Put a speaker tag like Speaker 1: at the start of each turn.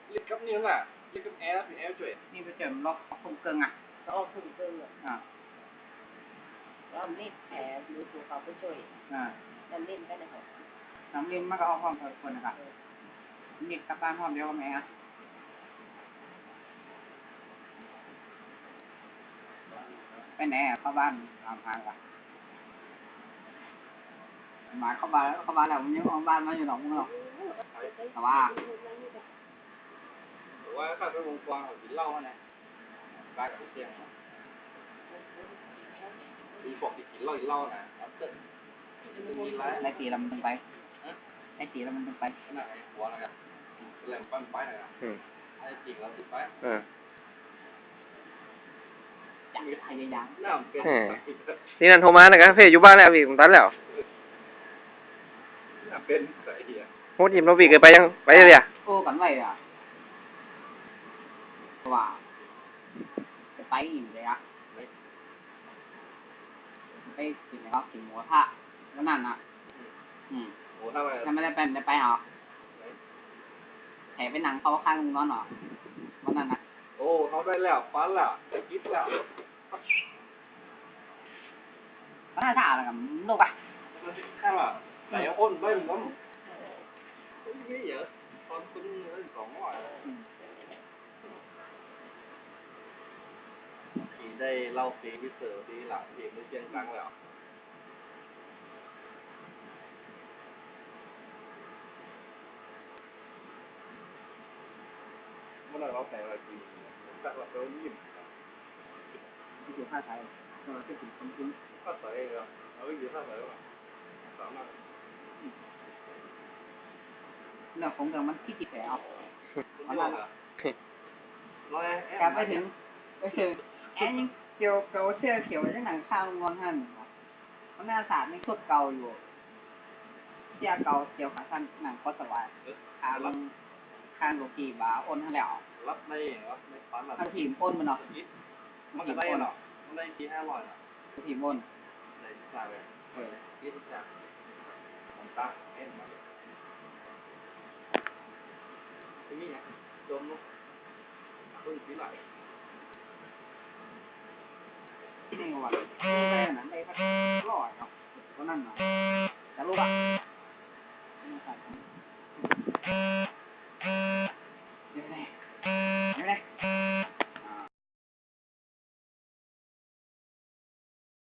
Speaker 1: ลิกับนี่น่ะลิกับแอร์เป็นแอร์ช่วย
Speaker 2: นี่ไปเจอล็อกคงเกิงอ่ะ
Speaker 3: ก็คงเกิน
Speaker 2: อ่า
Speaker 3: แล้วนี่แผลหรือตัวเขาไปช่วยนั่นเล่นได้นะครับ
Speaker 2: น้ำลิ้นมันก็เอาห้องคนนะครับนี่กลับบ้านห้องเดียวกับแม่ไปไหนเข้าบ้านตามทางกันมาเข้าบ้านแล้วมันยังห้องบ้านมาอยู่หนองมึงหรอกแต่ว่า
Speaker 1: ข้าไปวงกว้างกินเหล้าเนี่ยกลายเป็นเสียงมีบอกกินเหล้านะ
Speaker 2: ไอ้ตีเรามันต้องไปไอ้ตีเรามันต้องไป
Speaker 1: น่ะไอ้หัวนะครับแหลมปั้นไปนะครับไอ้จริงเราติดไป
Speaker 2: จับพยายาม
Speaker 1: น้ำเป็น
Speaker 4: นี่นั่นโทรมานะครับเพ่อยู่บ้านแล้วพี่ผมตัดแล้ว
Speaker 1: น้ำเป็นใส่เหี้ย
Speaker 4: โหดยิ้มเราพี่เคยไปยังไปเลยอ่ะ
Speaker 2: โอ้กันไว้อ่ะว่าจะไปอีกเลยอ่ะไปกินแล้วกินหมูทะแล้วนั่นน่ะ
Speaker 1: โอ้ทำไม
Speaker 2: ไม่ได้ไปหรอแถไปหนังเขาข้างลุงนอนหรอวันนั้นน่ะ
Speaker 1: โอ้เขาได้แล้วฟันแล้วจะกินแล้ว
Speaker 2: วันนั้นท่าอะไรกันลูกอ่ะ
Speaker 1: ข้างละแต่ยังอ้นไม่เหมือนไม่เยอะตอนคุณสองร้อยขี่ได้เล่าปีพิเศษปีหลังปีไม่เชียงครั้งแล้วเมื่อไหร่เราแต่งอะไรปีจากเราเรายิ้ม
Speaker 2: ที่อยู่ท่าไทยเราจะถึงคนคุ้น
Speaker 1: ท่าใส่เหรอเราไม่อยู่ท่าใส่หรอสามารถ
Speaker 2: เรื่องของเรื่องมันที่จิตแผลเอา
Speaker 1: วันนั้นร้อย
Speaker 2: กลับไปถึงแอนยังเกี่ยวเกาเสื้อเขียวยังหนังข้างงอนท่านมันหน้าสาดไม่โคตรเก่าอยู่เสื้อเก่าเกี่ยวขาสั้นหนังก็สบายข้างโลกีบาอ้นทั้งแล้ว
Speaker 1: รับในฟัน
Speaker 2: ถ้าถีมอ้นมันเนาะ
Speaker 1: มันจะได้เนาะมันได้ที500เนาะ
Speaker 2: ถีมอ้น
Speaker 1: ได้สายเลยยี่สิบสามผมตาเอ็นมาทีนี้เนี่ยโดนลูกพึ่งปีไหล
Speaker 2: นี่ว่าได้นั้นได้พัดลอยเนาะเพราะนั่นเนาะจะรู้ป่ะ